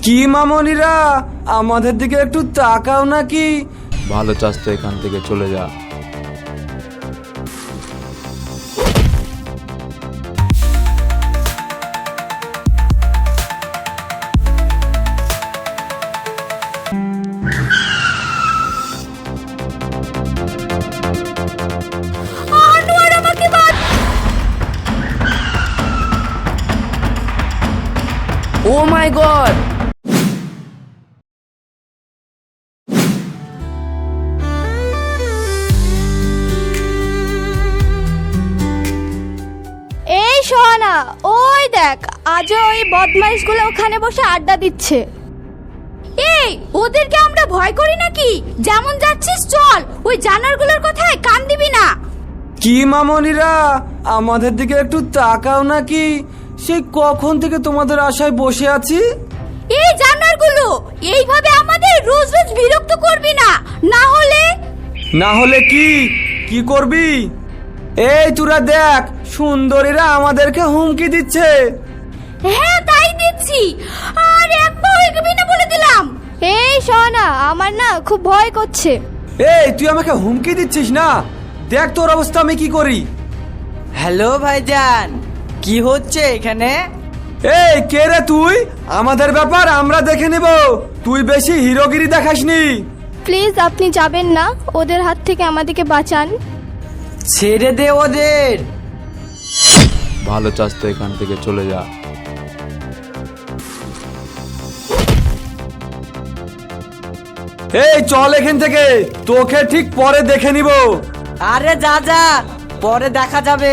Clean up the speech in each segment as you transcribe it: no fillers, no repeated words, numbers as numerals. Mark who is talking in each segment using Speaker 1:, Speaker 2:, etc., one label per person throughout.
Speaker 1: কি মামনিরা, আমাদের দিকে একটু তাকাও নাকি?
Speaker 2: ভালো চাস তো এখান থেকে চলে যা।
Speaker 3: Oh my god!
Speaker 4: এই সোহানা, ওই দেখ, আজও ওই বদমাইশগুলো ওখানে বসে আড্ডা দিচ্ছে। এই, ওদেরকে আমরা ভয় করি নাকি? যেমন যাচ্ছিস চল, ওই জানোয়ারগুলোর কথায় কান দিবি না।
Speaker 1: কি মামনিরা, আমাদের দিকে একটু তাকাও নাকি? সেই কখন থেকে তোমাদের আশায় বসে আছি।
Speaker 4: এই জানোয়ারগুলো, এইভাবে আমাদের রোজ রোজ বিরক্ত করবি না, না হলে
Speaker 1: কি কি করবি? এই তোরা দেখ, সুন্দরীরা আমাদেরকে হুমকি দিচ্ছে।
Speaker 4: হ্যাঁ তাই দিচ্ছি, আর এক পাও এগোবি না বলে দিলাম। এই সোহানা, আমার না খুব ভয় করছে।
Speaker 1: এই তুই আমাকে হুমকি দিচ্ছিস না? দেখ তোর অবস্থা আমি কি করি।
Speaker 3: হ্যালো ভাইজান, কি হচ্ছে এখানে?
Speaker 1: এই কে রে তুই? আমাদের ব্যাপার আমরা দেখে নেব, তুই বেশি হিরোগিরি দেখাসনি।
Speaker 4: প্লিজ আপনি যাবেন না, ওদের হাত থেকে আমাদেরকে বাঁচান।
Speaker 3: ছেড়ে দে ওদের।
Speaker 2: ভালো চাস তো এখান থেকে চলে যা।
Speaker 1: এই চল এখান থেকে, তোকে ঠিক পরে দেখে নিব।
Speaker 3: আরে যা যা, পরে দেখা যাবে।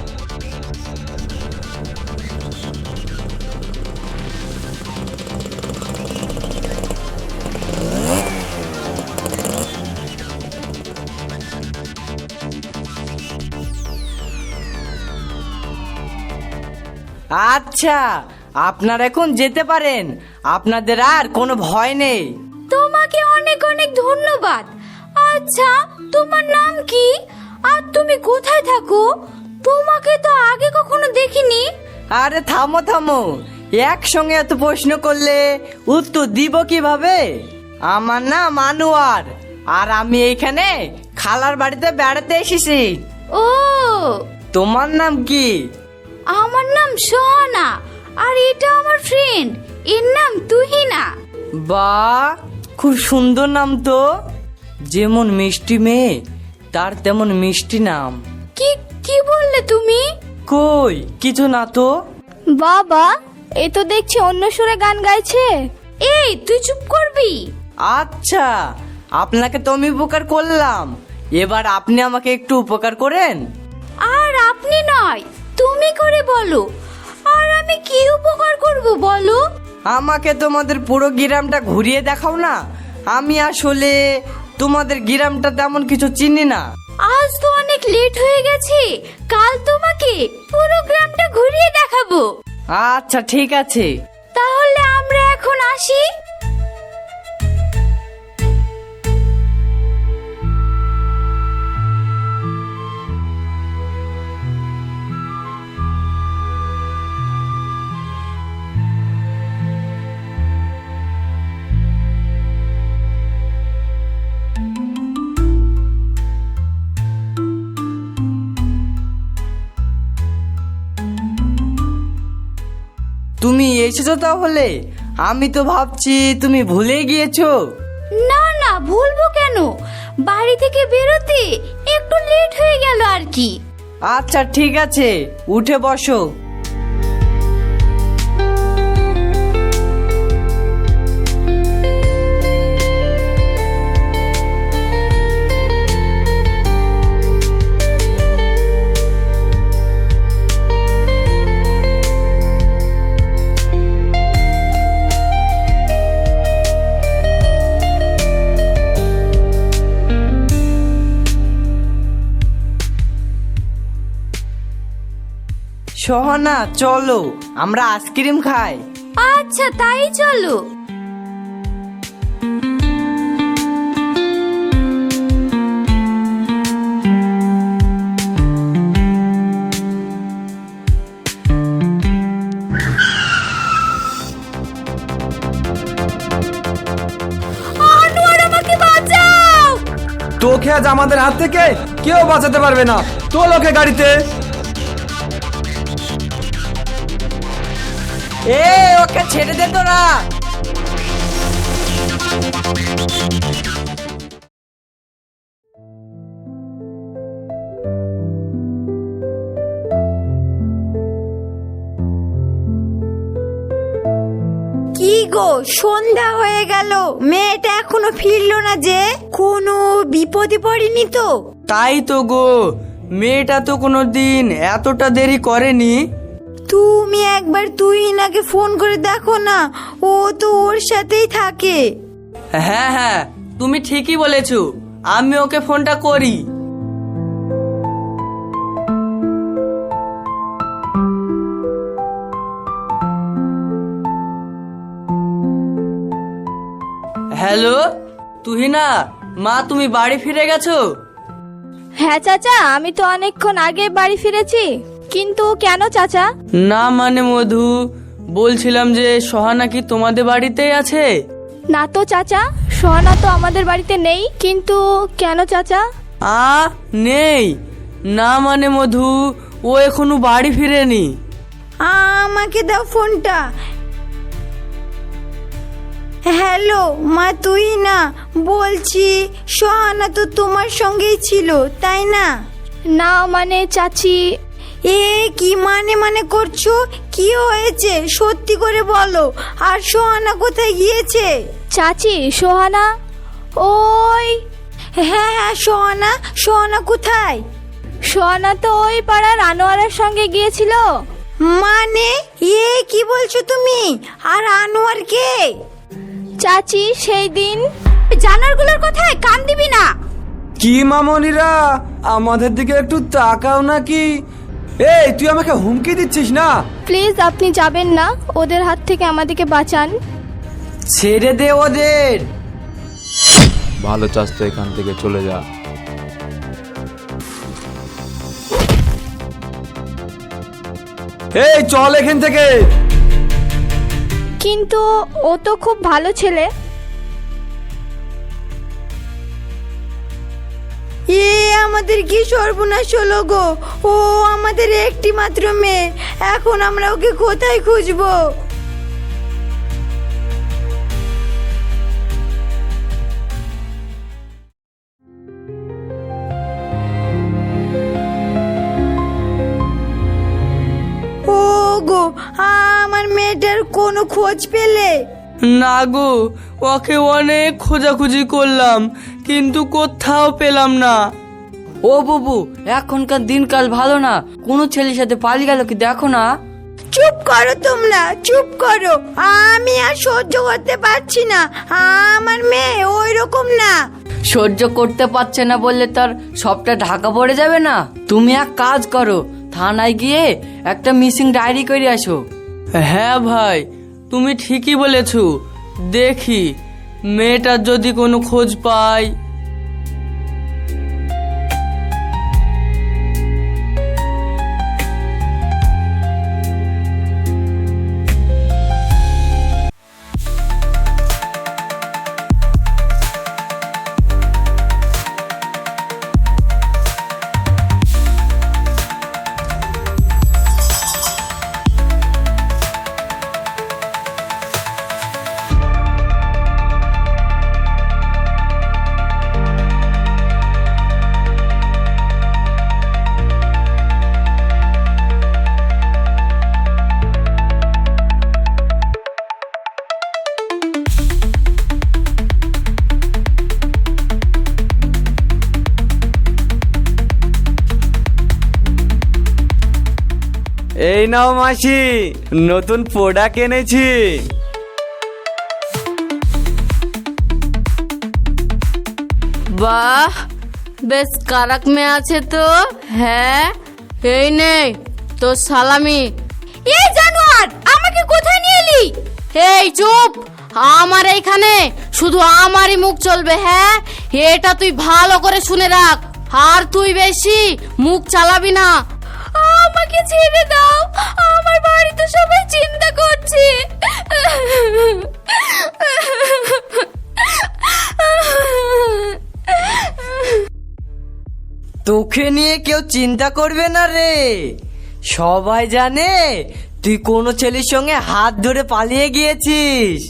Speaker 3: আচ্ছা, আপনারা এখন যেতে পারেন, আপনাদের আর কোনো ভয় নেই।
Speaker 4: তোমাকে অনেক অনেক ধন্যবাদ। আচ্ছা, তোমার নাম কি আর তুমি কোথায় থাকো? তোমাকে তো আগে কখনো দেখিনি।
Speaker 3: আরে থামো থামো, একসঙ্গে এত প্রশ্ন করলে উত্তর দিব কিভাবে? আমার নাম আনোয়ার, আর আমি এইখানে খালার বাড়িতে বেড়াতে এসেছি।
Speaker 4: ও,
Speaker 3: তোমার নাম কি?
Speaker 4: আমার নাম সোহানা, আর এটা আমার ফ্রেন্ড, এর নাম তুহিনা।
Speaker 3: বাহ, খুব সুন্দর নাম তো। যেমন মিষ্টি মেয়ে, তার তেমন মিষ্টি নাম।
Speaker 4: কি কি বললে তুমি?
Speaker 3: কই কিছু না তো।
Speaker 4: বাবা, এ তো দেখছি অন্য সুরে গান গাইছে। এই তুই চুপ করবি?
Speaker 3: আচ্ছা, আপনাকে তো আমি উপকার করলাম, এবার আপনি আমাকে একটু উপকার করেন।
Speaker 4: আর আপনি নয়, তুমি করে বলো। আর আমি কি উপকার করব বলো?
Speaker 3: আমাকে তোমাদের পুরো গ্রামটা ঘুরিয়ে দেখাও না। আমি আসলে তোমাদের গ্রামটা তেমন কিছু চিনি না।
Speaker 4: আজ তো অনেক লেট হয়ে গেছে, কাল তোমাকে পুরো গ্রামটা ঘুরিয়ে দেখাবো।
Speaker 3: আচ্ছা ঠিক আছে।
Speaker 4: তাহলে আমরা এখন আসি।
Speaker 3: তুমি এসেছো তাহলে? আমি তো ভাবছি তুমি ভুলে গিয়েছো।
Speaker 4: না না, ভুলবো কেন? বাড়ি থেকে বেরোতে একটু লেট হয়ে গেল আর কি।
Speaker 3: আচ্ছা ঠিক আছে, উঠে বসো। সোহানা চলো, আমরা আইসক্রিম খাই।
Speaker 4: আচ্ছা তাই চলো।
Speaker 1: তোকে আজ আমাদের হাত থেকে কেউ বাঁচাতে পারবে না। তো লোকে গাড়িতে।
Speaker 3: ওকে ছেড়ে দে তোরা।
Speaker 5: কি গো, সন্ধ্যা হয়ে গেল, মেয়েটা এখনো ফিরলো না যে? কোনো বিপদে পড়েনি তো?
Speaker 3: তাই তো গো, মেয়েটা তো কোনো দিন এতটা দেরি করেনি।
Speaker 5: তুমি একবার তুহিনাকে ফোন করে দেখো না, ও তো ওর সাথেই থাকে।
Speaker 3: হ্যাঁ হ্যাঁ, তুমি ঠিকই বলেছো, আমি ওকে ফোনটা করি। হ্যালো তুহিনা, মা তুমি বাড়ি ফিরে গেছো?
Speaker 4: হ্যাঁ চাচা, আমি তো অনেকক্ষণ আগে বাড়ি ফিরেছি। কিন্তু কেন চাচা?
Speaker 3: না মানে মধু, বলছিলাম যে সোহানা কি তোমাদের বাড়িতেই আছে?
Speaker 4: না তো চাচা, সোহানা তো আমাদের বাড়িতে নেই। কিন্তু কেন চাচা?
Speaker 3: নেই? না মানে মধু, ও এখনো বাড়ি ফিরেনি।
Speaker 5: আমাকে দাও ফোনটা। হ্যালো মা, তুহিনা বলছি, সোহানা তো তোমার সঙ্গেই ছিল তাই না?
Speaker 4: না মানে চাচি।
Speaker 5: কি মানে করছো? কি হয়েছে সত্যি করে বলো। আর সোহানা কোথায় গিয়েছে?
Speaker 4: চাচি, সোহানা ওই।
Speaker 5: হ্যাঁ, সোহানা কোথায়?
Speaker 4: সোহানা তো ওই পাড়ার আনোয়ারের সঙ্গে গিয়েছিল।
Speaker 5: মানে কি বলছো তুমি? আর আনোয়ার কে?
Speaker 4: চাচি, সেই দিন জানারগুলোর কথায় কান দিবি না।
Speaker 1: কি মামনিরা, আমাদের দিকে একটু তাকাও নাকি? এই তুই আমাকে হুমকি দিচ্ছিস না?
Speaker 4: প্লিজ আপনি যাবেন না, ওদের হাত থেকে আমাদেরকে বাঁচান।
Speaker 3: ছেড়ে দে ওদের।
Speaker 2: ভালো চাস তো এখান থেকে চলে যা।
Speaker 1: এই চল এখান থেকে।
Speaker 4: কিন্তু ও তো খুব ভালো ছেলে।
Speaker 5: আমাদের কি সর্বনাশ হলো গো। ও আমাদের একটি মাত্র মেয়ে, এখন আমরা ওকে কোথায় খুঁজবো? ও গো, আমার মেয়েটার কোনো খোঁজ পেলে?
Speaker 3: না গো, ওকে অনেক খোঁজাখুঁজি করলাম কিন্তু কোথাও পেলাম না। ও বাবু, এখনকার দিনকাল ভালো না, কোনো ছেলের সাথে পালিয়ে গেল কি দেখো না।
Speaker 5: চুপ করো তোমরা, চুপ করো। আমি আর সহ্য করতে পারছি না, আমার মেয়ে ওই রকম না।
Speaker 3: সহ্য করতে পারছে না বললে তার সবটা ঢাকা পড়ে যাবে না? তুমি এক কাজ করো, থানায় গিয়ে একটা মিসিং ডায়েরি করে আসো। হ্যাঁ ভাই, তুমি ঠিকই বলেছো, দেখি মেয়েটার যদি কোনো খোঁজ পাই।
Speaker 1: এই নাও মাসি, নতুন প্রোডাক্ট এনেছি।
Speaker 6: বাহ, বেশ কারাক মেয়ে আছে তো। হ্যাঁ, এই নেই তোর সালামি।
Speaker 4: এই জানোয়ার, আমাকে কোথায় নিয়ে এলি?
Speaker 6: এই চুপ, আমার এইখানে শুধু আমারই মুখ চলবে। হ্যাঁ, এটা তুই ভালো করে শুনে রাখ, আর তুই বেশি মুখ চালাবি না।
Speaker 4: আমাকে ছেড়ে দাও, আমার বাড়িতে সবাই চিন্তা করছে।
Speaker 3: তোকে নিয়ে কেউ চিন্তা করবে না রে। সবাই জানে তুই কোনো ছেলের সঙ্গে হাত ধরে পালিয়ে গিয়েছিস।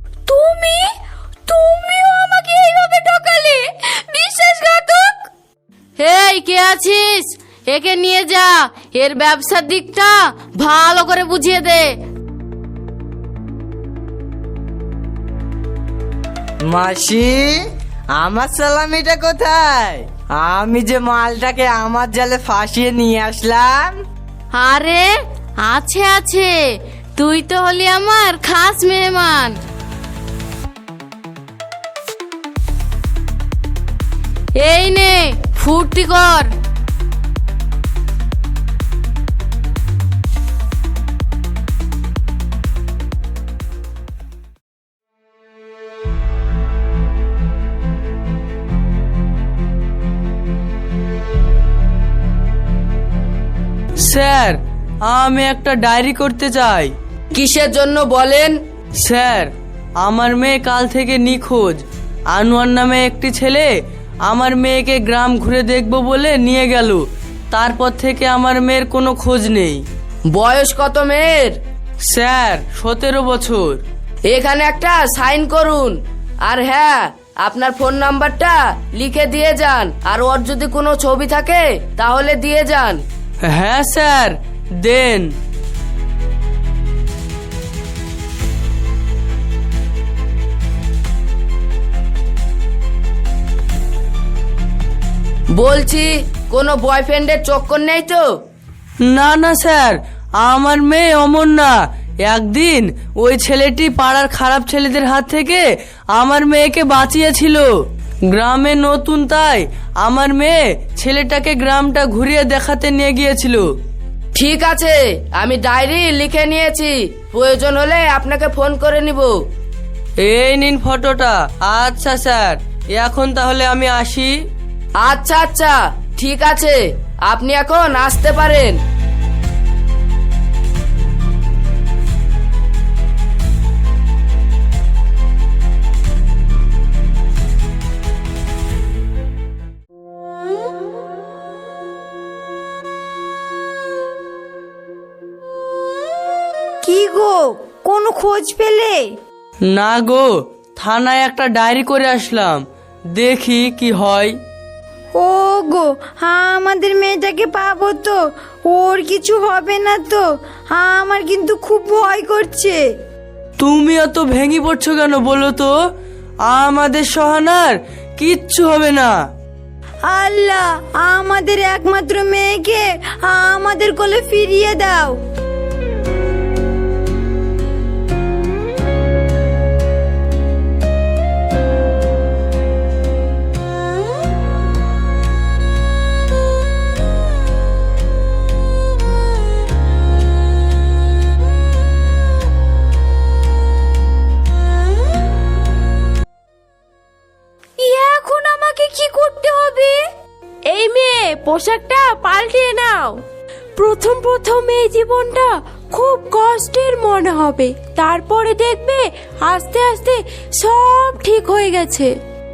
Speaker 4: তুমিও আমাকে এইভাবে ঠকালে, বিশ্বাসঘাতক।
Speaker 6: এই কে আছিস? একে নিয়ে যা, এর ব্যবসার দিকটা ভালো করে বুঝিয়ে দে।
Speaker 3: মাসি, আমার সালামিটা কোথায়? আমি যে মালটাকে আমার জালে ফাঁসিয়ে নিয়ে আসলাম।
Speaker 6: আরে আছে আছে, তুই তো হলি আমার খাস মেহমান। এই নে, ফুর্তি কর।
Speaker 7: স্যার, আমি একটা ডায়েরি করতে চাই।
Speaker 3: কিসের জন্য বলেন?
Speaker 7: স্যার, আমার মেয়ে কাল থেকে নিখোঁজ। আনোয়ার নামে একটি ছেলে আমার মেয়েকে গ্রাম ঘুরে দেখবো বলে নিয়ে গেল। তারপর থেকে আমার মেয়ের কোনো খোঁজ নেই।
Speaker 3: বয়স কত মেয়ের?
Speaker 7: স্যার, 17 বছর।
Speaker 3: এখানে একটা সাইন করুন। আর হ্যাঁ, আপনার ফোন নাম্বারটা লিখে দিয়ে যান। আর ওর যদি কোনো ছবি থাকে তাহলে দিয়ে যান।
Speaker 7: হ্যাঁ স্যার, দেন।
Speaker 3: বলছি, কোনো বয়ফ্রেন্ডের চক্কর নেই তো?
Speaker 7: না না স্যার, আমার মেয়ে অমর না। একদিন ওই ছেলেটি পাড়ার খারাপ ছেলেদের হাত থেকে আমার মেয়েকে বাঁচিয়েছিল। গ্রামে নতুন, তাই আমার মেয়ে ছেলেটাকে গ্রামটা ঘুরিয়ে দেখাতে নিয়ে গিয়েছিল।
Speaker 3: ঠিক আছে, আমি ডায়েরি লিখে নিয়েছি। প্রয়োজন হলে আপনাকে ফোন করে নিব।
Speaker 7: এই নিন ফটোটা। আচ্ছা স্যার, এখন তাহলে আমি আসি।
Speaker 3: আচ্ছা আচ্ছা, ঠিক আছে, আপনি এখন আসতে পারেন।
Speaker 5: কি গো, কোনো খোঁজ পেলে?
Speaker 7: না গো, থানায় একটা ডায়েরি করে আসলাম, দেখি কি হয়।
Speaker 5: ও গো, আমাদের মেয়েটাকে পাবো তো? ওর কিছু হবে না তো? আমার কিন্তু খুব ভয় করছে।
Speaker 7: তুমি এত ভেঙে পড়ছো কেন বলো তো? আমাদের সহানার কিচ্ছু হবে না।
Speaker 5: আল্লাহ, আমাদের একমাত্র মেয়েকে আমাদের কোলে ফিরিয়ে দাও।
Speaker 4: এখন আমাকে কি করতে হবে? এই মেয়ে, পোশাকটা পাল্টিয়ে নাও। প্রথম প্রথম এই জীবনটা খুব কষ্টের মনে হবে, তারপরে দেখবে আস্তে আস্তে সব ঠিক হয়ে গেছে।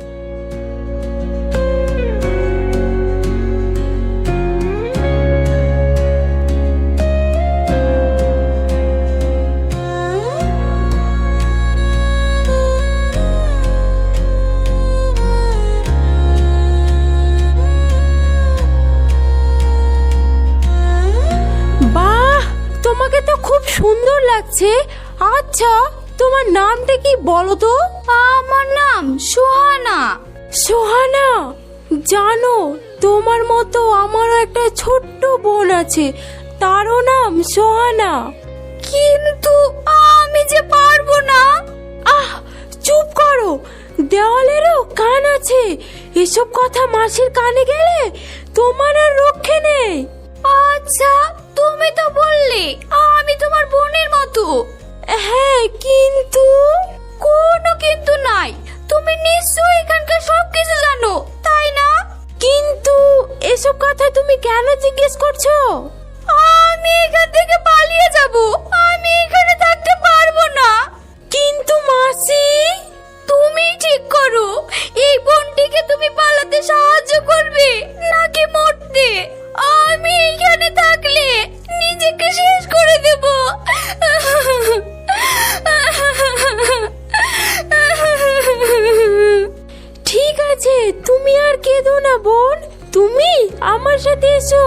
Speaker 4: তোমাকে তো খুব সুন্দর লাগছে। আচ্ছা, তোমার নামটা কি বলো তো? আমার নাম সোহানা। সোহানা, জানো তোমার মতো আমারও একটা ছোট্ট বোন আছে, তারও নাম সোহানা। কিন্তু আমি যে পারবো না। আহ, চুপ করো, দেওয়ালেরও কান আছে। এসব কথা মাসির কানে গেলে তোমার আর রক্ষে নেই। আচ্ছা, তুমি তো বললে আমি তোমার বোনের মতো। হ্যাঁ, কিন্তু কোনো কিন্তু নাই। তুমি নিশ্চয়ই এখানকার সবকিছু জানো, তাই না? কিন্তু এসব কথা তুমি কেন জিজ্ঞেস করছো? আমি এখান থেকে পালিয়ে যাব। আমি এখানে থাকতে পারবো না। কিন্তু মাসি, তুমি ঠিক করো, এই বোনটিকে তুমি পালাতে সাহায্য করবে নাকি মরতে এসো।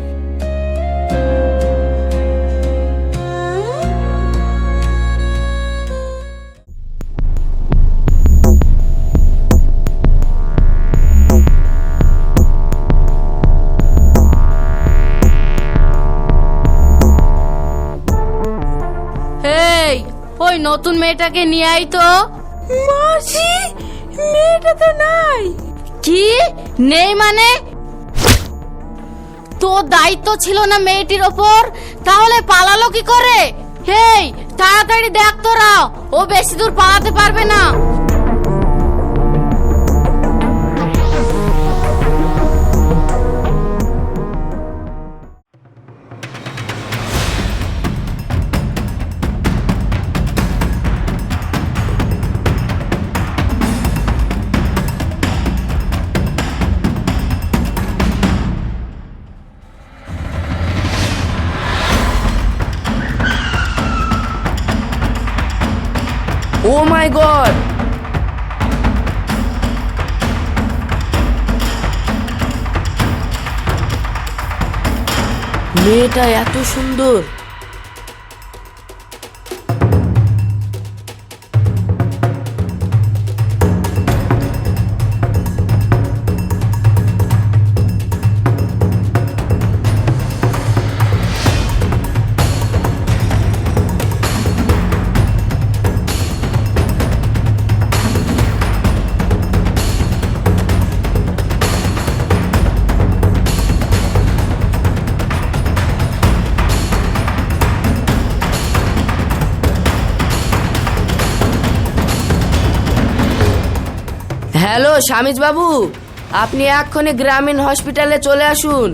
Speaker 6: এই ওই নতুন মেয়েটাকে নিয়ে আই তো।
Speaker 4: মাসি, মেয়েটা তো নাই।
Speaker 6: কি নেই মানে? তোর দায়িত্ব ছিল না মেয়েটির ওপর, তাহলে পালালো কি করে? হেই তাড়াতাড়ি দেখ তোরা, ও বেশি দূর পালাতে পারবে না।
Speaker 7: ও মাই গড, মেয়েটা এত সুন্দর। হ্যালো শামিজ বাবু, আপনি এক্ষুনি গ্রামীণ হসপিটালে চলে আসুন।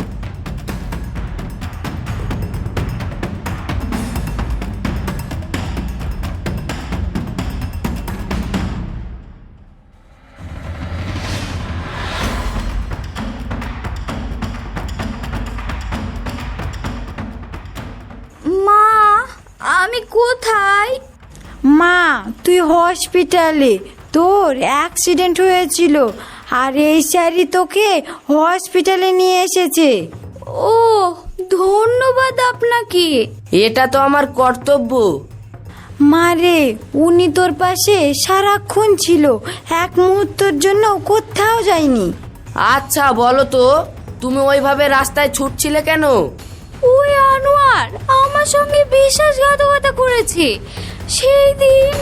Speaker 4: মা, আমি কোথায়?
Speaker 5: মা, তুই হসপিটালে, তোর অ্যাক্সিডেন্ট হয়েছিল আর এই স্যারই তোকে হসপিটালে নিয়ে এসেছে।
Speaker 4: ও, ধন্যবাদ আপনাকে।
Speaker 7: এটা তো আমার কর্তব্য।
Speaker 5: মারে, উনি তোর পাশে সারাক্ষণ ছিল, এক মুহূর্তের জন্য কোথাও যায়নি।
Speaker 7: আচ্ছা বলো তো, তুমি ওইভাবে রাস্তায় ছুটছিলে কেন?
Speaker 4: ওই আনোয়ার আমার সঙ্গে বিশ্বাসঘাতকতা করেছে সেই দিন।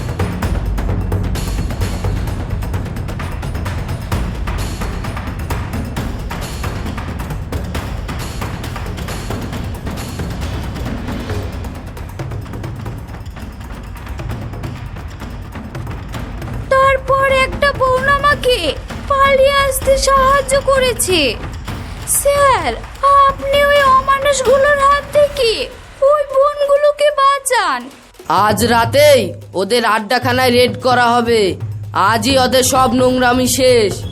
Speaker 4: তারপর একটা বোন আমাকে পালিয়ে আসতে সাহায্য করেছে। স্যার, আপনি ওই অমানুষগুলোর হাত থেকে ওই বোনগুলোকে বাঁচান।
Speaker 7: আজ রাতেই ওদের আড্ডাখানায় রেড করা হবে। আজই ওদের সব নোংরামি শেষ।